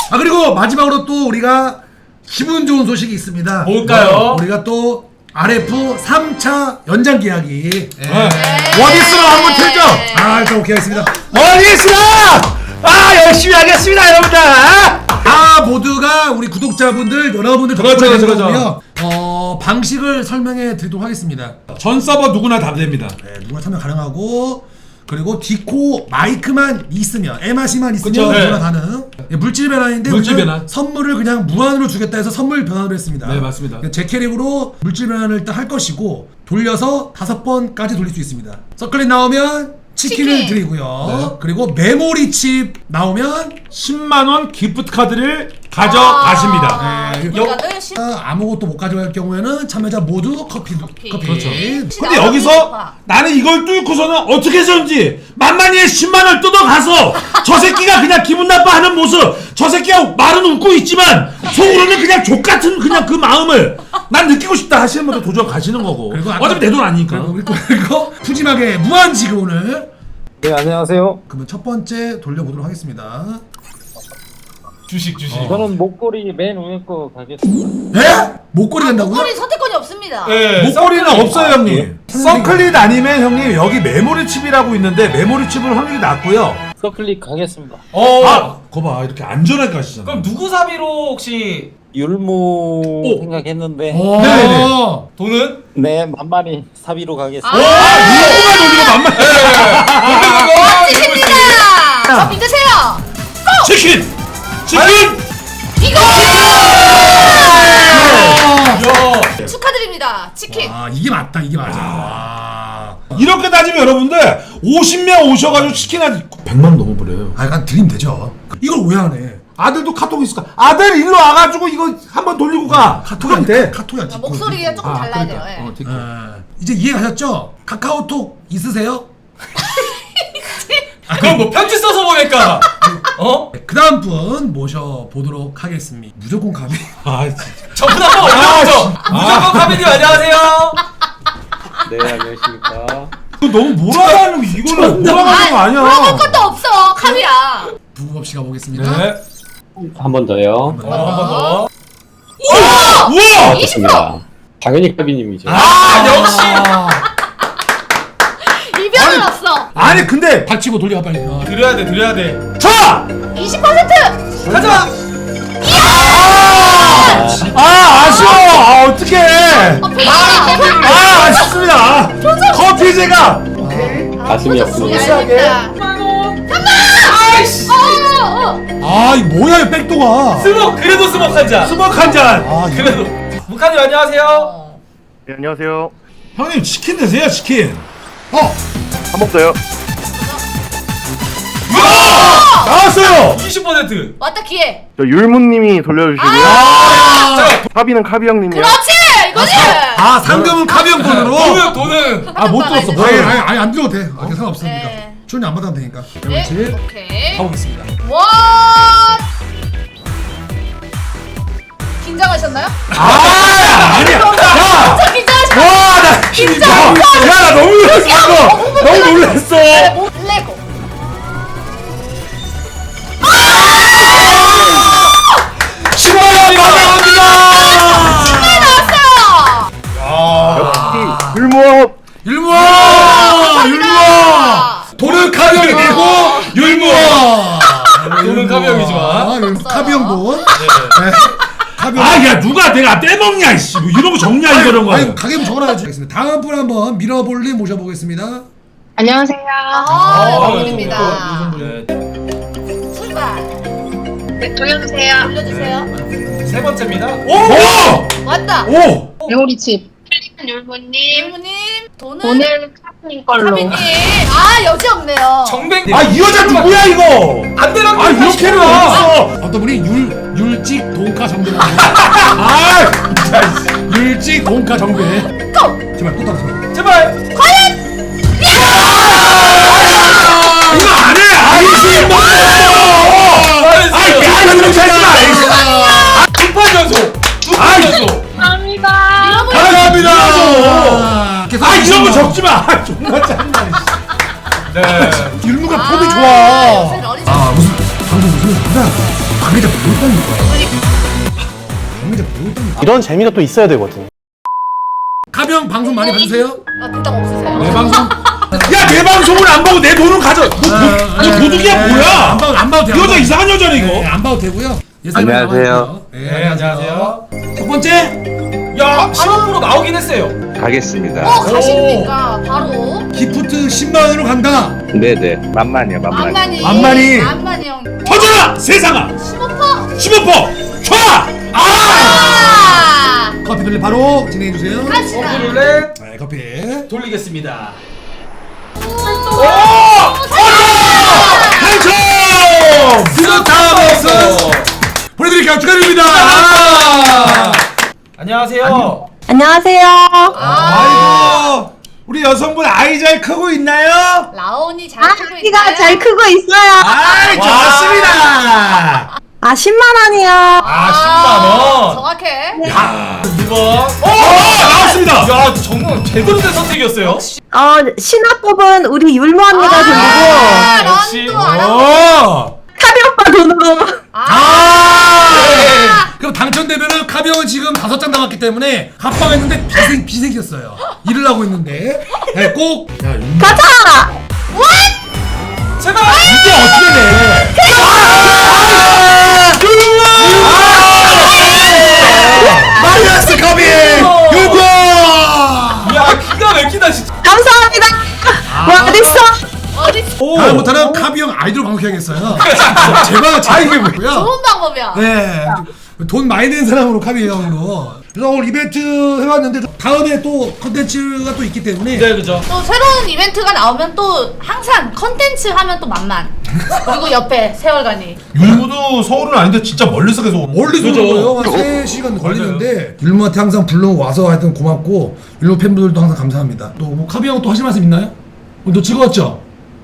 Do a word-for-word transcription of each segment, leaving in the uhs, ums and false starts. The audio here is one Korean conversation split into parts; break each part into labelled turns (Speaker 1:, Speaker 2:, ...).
Speaker 1: 아 그리고 마지막으로 또 우리가 기분 좋은 소식이 있습니다.
Speaker 2: 뭘까요?
Speaker 1: 어, 우리가 또 알에프 삼 차 연장 계약이 예.
Speaker 2: 원이스로 한번 틀죠.
Speaker 1: 아 일단 오케이 하겠습니다.
Speaker 2: 원이스로 아 열심히 하겠습니다 여러분들.
Speaker 1: 아 모두가 우리 구독자분들 여러분들
Speaker 2: 그렇죠,
Speaker 1: 덕분에 된
Speaker 2: 그렇죠.
Speaker 1: 거고요. 어 방식을 설명해 드리도록 하겠습니다.
Speaker 2: 전 서버 누구나 다 됩니다.
Speaker 1: 네, 누구나 참여 가능하고 그리고 디코 마이크만 있으면 에마시만 있으면
Speaker 2: 그쵸,
Speaker 1: 누구나
Speaker 2: 네.
Speaker 1: 가능. 예, 물질 변환인데
Speaker 2: 물질
Speaker 1: 우리는
Speaker 2: 변환.
Speaker 1: 선물을 그냥 무한으로 주겠다 해서 선물 변환을 했습니다.
Speaker 2: 네, 맞습니다.
Speaker 1: 제 캐릭으로 물질 변환을 일단 할 것이고 돌려서 다섯 번까지 돌릴 수 있습니다. 서클릿 나오면 치킨을
Speaker 3: 치킨.
Speaker 1: 드리고요.
Speaker 2: 네.
Speaker 1: 그리고 메모리 칩 나오면
Speaker 2: 십만 원 기프트 카드를 가져가십니다.
Speaker 3: 아,
Speaker 1: 네.
Speaker 3: 이거는 십-
Speaker 1: 아, 아무것도 못 가져갈 경우에는 참여자 모두 커피 커피.
Speaker 3: 커피.
Speaker 2: 그렇죠.
Speaker 1: 네.
Speaker 2: 근데 여기서 나는 이걸 뚫고서는 어떻게 해서인지 만만히의 십만 원을 뜯어가서 저 새끼가 그냥 기분 나빠하는 모습, 저 새끼가 말은 웃고 있지만 속으로는 그냥 족같은 그냥 그 마음을 난 느끼고 싶다 하시는 분들 도전 가시는 거고.
Speaker 1: 그리고 아까-
Speaker 2: 어차피 내 돈 아니니까.
Speaker 1: 그리고 우리 또 이거 푸짐하게 무한 지급을
Speaker 4: 네, 안녕하세요.
Speaker 1: 그러면 첫 번째 돌려보도록 하겠습니다.
Speaker 2: 주식 주식.
Speaker 4: 저는 목걸이 맨 위에 거 가겠습니다.
Speaker 1: 에? 목걸이 된다고요?
Speaker 3: 목걸이 선택권이 없습니다.
Speaker 2: 네, 목걸이는 없어요 형님. 서클릿 아니면 형님 여기 메모리 칩이라고 있는데 메모리 칩은 확률이 낮고요.
Speaker 4: 서클릭 가겠습니다.
Speaker 5: 어.
Speaker 2: 아, 거봐 이렇게 안전하게 가시잖아.
Speaker 5: 그럼 누구 사비로 혹시
Speaker 4: 율무
Speaker 2: 오.
Speaker 4: 생각했는데
Speaker 1: 오.
Speaker 2: 네네네.
Speaker 5: 돈은?
Speaker 4: 네 만만히 사비로 가겠습니다.
Speaker 3: 아,
Speaker 2: 누구만 돌리고 만만.
Speaker 3: 멋지십니다. 저 믿으세요.
Speaker 2: 치킨, 치킨.
Speaker 3: 이거
Speaker 5: 야.
Speaker 3: 축하드립니다. 치킨.
Speaker 1: 아 이게 맞다 이게 맞아. 와.
Speaker 2: 이렇게 따지면 여러분들 오십 명 오셔가지고 치킨 한 백만 원 넘어버려요.
Speaker 1: 아 약간 드림 되죠. 이걸 왜 안 해?
Speaker 2: 아들도 카톡 있을까? 아들 일로 와가지고 이거 한번 돌리고 가.
Speaker 1: 카톡이 안 돼. 카톡이 안 돼.
Speaker 3: 목소리가 조금
Speaker 2: 아,
Speaker 3: 달라야
Speaker 2: 그러니까.
Speaker 3: 돼요. 예.
Speaker 2: 어, 디코.
Speaker 1: 아, 이제 이해가셨죠? 카카오톡 있으세요?
Speaker 5: 그럼 뭐 편지 써서 보낼까? 어?
Speaker 1: 그 다음 분 모셔보도록 하겠습니다. 무조건 가비.
Speaker 2: 아, 진짜.
Speaker 5: 저분 한번 올려보죠. 무조건 카비님 안녕하세요.
Speaker 4: 네, 안녕하십니까.
Speaker 2: 이거 너무 몰아가는 거 이거는 몰아가는 거 아니야.
Speaker 3: 물어볼 것도 없어. 카비야.
Speaker 1: 부부 없이 가보겠습니다.
Speaker 5: 네.
Speaker 4: 한 번 더요.
Speaker 5: 어, 한 번 더.
Speaker 2: 우와!
Speaker 3: 이십 퍼센트.
Speaker 4: 당연히 카비님이죠.
Speaker 5: 아, 역시.
Speaker 3: 이변은 없어.
Speaker 2: 아니 근데
Speaker 1: 닥치고 돌려가 빨리. 어.
Speaker 5: 드려야 돼, 드려야 돼.
Speaker 2: 자!
Speaker 3: 이십 퍼센트.
Speaker 5: 가자.
Speaker 2: 아 아쉬워. 아 어떡해.
Speaker 3: 어, 표정.
Speaker 2: 아 아쉽습니다. 커피 제가
Speaker 4: 가슴이 아프네요.
Speaker 5: 아이씨.
Speaker 1: 아, 이 뭐야, 이 백도가.
Speaker 5: 스모, 그래도 스모 한 잔.
Speaker 2: 스모크 한 잔.
Speaker 1: 아, 이거.
Speaker 5: 그래도. 무카님 안녕하세요.
Speaker 6: 네, 안녕하세요.
Speaker 2: 형님 치킨 드세요 치킨.
Speaker 1: 어,
Speaker 6: 한 번 더요.
Speaker 2: 나왔어요.
Speaker 5: 이십 퍼센트.
Speaker 3: 왔다 기회.
Speaker 6: 저 율무님이 돌려주시고요.
Speaker 3: 아,
Speaker 6: 카비는 카비 형님이요.
Speaker 3: 그렇지 이거지.
Speaker 1: 아, 상금은 카비 형 돈으로?
Speaker 5: 돈은, 돈은.
Speaker 2: 아 못 들었어. 뭐.
Speaker 1: 아니, 아니, 아니, 안 들어도 돼. 아, 상관없습니다.
Speaker 3: 네.
Speaker 1: 출연 안 받아도 되니까.
Speaker 3: 네,
Speaker 1: 그렇지.
Speaker 3: 오케이.
Speaker 1: 가보겠습니다.
Speaker 3: 와. 긴장하셨나요?
Speaker 2: 아 아니야. 야.
Speaker 3: 저 긴장하셨나요?
Speaker 2: 와, 나
Speaker 3: 긴장.
Speaker 2: 야, 나 너무 놀랐어. 너무 놀랐어.
Speaker 3: 레고.
Speaker 2: 십만 원 감사합니다.
Speaker 3: 네, 나왔어요.
Speaker 6: 역시 율무업.
Speaker 1: 율무아! 율무아! 돈은 카비 형이 내고, 율무아!
Speaker 5: 돈은 카비 형이지만.
Speaker 1: 아, 율- 카비 형 돈. 네. 카비 형.
Speaker 2: 아, 야, 누가 내가 떼먹냐, 이씨. 뭐 이런 거 적냐, 이런 거.
Speaker 1: 아니, 가게부 적어놔야지. 알겠습니다. 다음 분 한번 밀어볼님 모셔보겠습니다.
Speaker 7: 안녕하세요.
Speaker 3: 아, 반갑습니다.
Speaker 5: 네.
Speaker 3: 출발.
Speaker 7: 네, 돌려주세요.
Speaker 3: 올려주세요.
Speaker 5: 세 번째입니다.
Speaker 2: 오!
Speaker 3: 왔다.
Speaker 2: 오!
Speaker 7: 메모리칩. 필리핀 율무님.
Speaker 3: 일부님 돈은
Speaker 7: 오늘 카프님 걸로.
Speaker 3: 카비님. 아 여지 없네요.
Speaker 5: 정뱅.
Speaker 2: 아, 이 여자 누구야, 이거?
Speaker 5: 안 되라고.
Speaker 2: 아, 이렇게는 어딨어.
Speaker 1: 어떤 분이 율, 율직 돈가 정배라고.
Speaker 2: 아, 진짜, 씨.
Speaker 1: 율직 돈가 정배.
Speaker 3: 고!
Speaker 1: 제발 또 따라서.
Speaker 5: 제발.
Speaker 3: 과연!
Speaker 2: 이거 안 해! 아이씨, 뭐! 아이, 야, 이거 좀 하지 마!
Speaker 5: 두판 연속. 두판
Speaker 2: 아이.
Speaker 5: 연속.
Speaker 7: 감사합니다.
Speaker 2: 감사합니다!
Speaker 1: 아,
Speaker 2: 아, 이런 거 적지 마! 아, 존나 짠다,
Speaker 5: 네.
Speaker 1: 율무가 폼이
Speaker 3: 아,
Speaker 1: 좋아.
Speaker 3: 요새는 어리지
Speaker 1: 아, 무슨, 방금 무슨, 뭐야? 방해자 뭘 떠는 거야? 방해자 뭘 떠는 거야?
Speaker 6: 이런 재미가 또 있어야 되거든.
Speaker 1: 가병 방송 많이 봐주세요.
Speaker 3: 아, 대답 없으세요?
Speaker 2: 내 방송 야 내 방송을 안 보고 내 돈은 가져 너, 도, 너 도둑이야
Speaker 1: 안
Speaker 2: 뭐야
Speaker 1: 봐도 안 봐도
Speaker 2: 이
Speaker 1: 돼요.
Speaker 2: 여자 이상한 여자네 이거
Speaker 1: 네, 안 봐도 되고요. 예산이
Speaker 6: 안녕하세요.
Speaker 1: 남아있고요. 네,
Speaker 2: 네, 안녕하세요.
Speaker 1: 첫 번째
Speaker 5: 야, 십오 퍼센트 나오긴 했어요.
Speaker 6: 가겠습니다.
Speaker 3: 어, 가십니까? 바로.
Speaker 1: 기프트 십만 원으로 간다.
Speaker 6: 네네. 만만이요, 만만.
Speaker 3: 만만이.
Speaker 1: 만만이.
Speaker 3: 만만이 형.
Speaker 2: 터져라 세상아
Speaker 3: 십오 퍼센트.
Speaker 2: 십오 퍼센트 촤! 아!
Speaker 3: 아!
Speaker 1: 커피 돌리 바로 진행해 주세요.
Speaker 3: 가시다.
Speaker 5: 커피 룰렛
Speaker 1: 네, 커피.
Speaker 5: 돌리겠습니다.
Speaker 2: 오! 당첨!
Speaker 1: 스타벅스 보내드릴게요. 축하드립니다.
Speaker 5: 아! 안녕하세요.
Speaker 8: 안녕하세요.
Speaker 2: 아이고 우리 여성분 아이 잘 크고 있나요?
Speaker 3: 라온이 잘
Speaker 8: 아,
Speaker 3: 크고 있나요?
Speaker 8: 키가 잘 크고 있어요.
Speaker 2: 아이 좋습니다.
Speaker 8: 아, 십만 원이요.
Speaker 5: 아, 십만 원.
Speaker 3: 정확해.
Speaker 5: 두 번. 어,
Speaker 2: 오 나왔습니다.
Speaker 5: 야, 정말 제대로 된 선택이었어요.
Speaker 8: 어, 신화 뽑은 우리 율무 언니가 돈이고,
Speaker 3: 아,
Speaker 5: 역시.
Speaker 3: 런도 알아.
Speaker 2: 오.
Speaker 8: 카비 오빠 돈으로.
Speaker 1: 아! 그럼 당첨되면은 카비형은 지금 다섯 장 남았기 때문에 합방했는데 비생 비생겼어요. 일을 하고 있는데 네, 꼭 야, 윤-
Speaker 8: 가자!
Speaker 5: 제발.
Speaker 2: 이게 어떻게 돼?
Speaker 1: 마이너스 카비 유고.
Speaker 5: 야, 기가 막히다 진짜.
Speaker 8: 감사합니다. 와, 어딨어?
Speaker 3: 어디
Speaker 1: 다음부터는 카비형 아이돌 방송해야겠어요. 제발 제 이게 뭐고요?
Speaker 3: 좋은 방법이야.
Speaker 1: 네. 돈 많이 낸 사람으로 카비 형으로. 그래서 오늘 이벤트 해봤는데 다음에 또 컨텐츠가 또 있기 때문에
Speaker 5: 네, 그죠.
Speaker 3: 또 새로운 이벤트가 나오면 또 항상 컨텐츠 하면 또 만만. 그리고 옆에 세월간이.
Speaker 2: 율무도 서울은 아닌데 진짜 멀리서 계속 오는
Speaker 1: 멀리서
Speaker 2: 그죠?
Speaker 1: 오는 거예요. 한 세 시간 걸리는데 율무한테 항상 불러와서 하여튼 고맙고 율무 팬분들도 항상 감사합니다. 또 뭐 카비 형 또 하실 말씀 있나요? 오늘 또 즐거웠죠?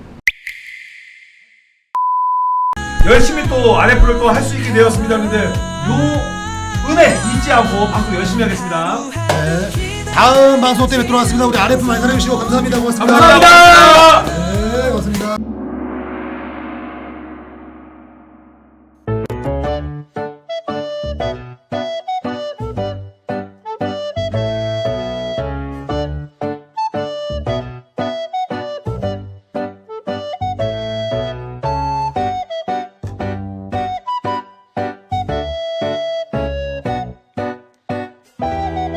Speaker 2: 열심히 또 아랫부를 또 할 수 있게 되었습니다. 근데 요 은혜 잊지 않고 방송 열심히 하겠습니다.
Speaker 1: 네. 다음 방송 때문에 돌아왔습니다. 우리 아르에프 많이 사랑해주시고 감사합니다. 고맙습니다.
Speaker 2: 감사합니다.